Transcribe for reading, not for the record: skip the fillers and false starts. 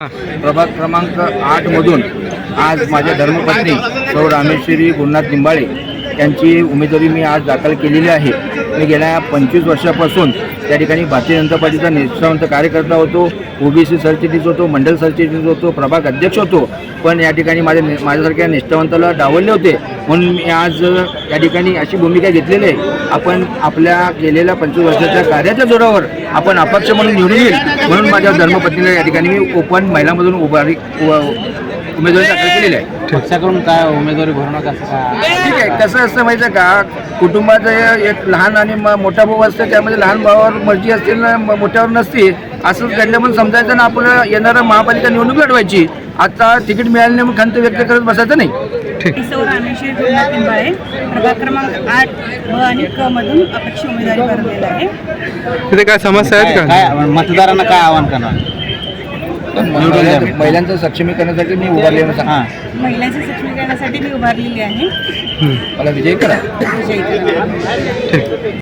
प्रभाग क्रमांक 8 मधून आज माझ्या धर्मपत्नी सौ रामेश्वरी गुरुनाथ निंबाळे यांची उमेदवारी मी आज दाखल केलेली आहे। मी गेल्या 25 वर्षापासून त्या ठिकाणी भारतीय जनता पार्टीचा निष्ठावंत कार्यकर्ता होतो, ओबीसी सरचिटणीस होतो, मंडल सरचिटणीस होतो, प्रभाग अध्यक्ष होतो। पण या ठिकाणी माझ्यासारख्या निष्ठावंताला डावलले होते, म्हणून मी आज या ठिकाणी अशी भूमिका घेतलेली आहे। आपण आपल्या गेलेल्या 25 वर्षाच्या कार्याच्या जोरावर आपण अपक्ष म्हणून निवडून येईल, म्हणून माझ्या धर्मपत्नीला या ठिकाणी मी ओपन महिलांमधून उमेदवारी दाखल केलेली आहे। पक्षाकडून काय उमेदवारी भरणं कसं काय? ठीक आहे, कसं असतं माहिती आहे का, कुटुंबाचं एक लहान आणि मोठा भाऊ असतं, त्यामध्ये लहान भावावर मर्जी असते ना, मोठ्यावर नसते। असंच घडलं म्हणून समजायचं ना, आपलं येणारं महापालिका निवडणूक लढवायची। आता तिकीट मिळालं नाही म्हणून खंत व्यक्त करत बसायचं नाही। सौ रामेश्वरी गुरुनाथ निंबाळे प्रभाग क्रमांक 8 ब आणि क मधून अपक्ष उमेदवारी भरलेला आहे। तिथे काय समस्या आहेत का? काय मतदारांना काय आवाहन करणार? महिलांचं सक्षमीकरणासाठी मी उभारलेलं सांगा, महिलांच्या सक्षमीकरणासाठी मी उभारलेली आहे। मला विजय करा। विजयी करा।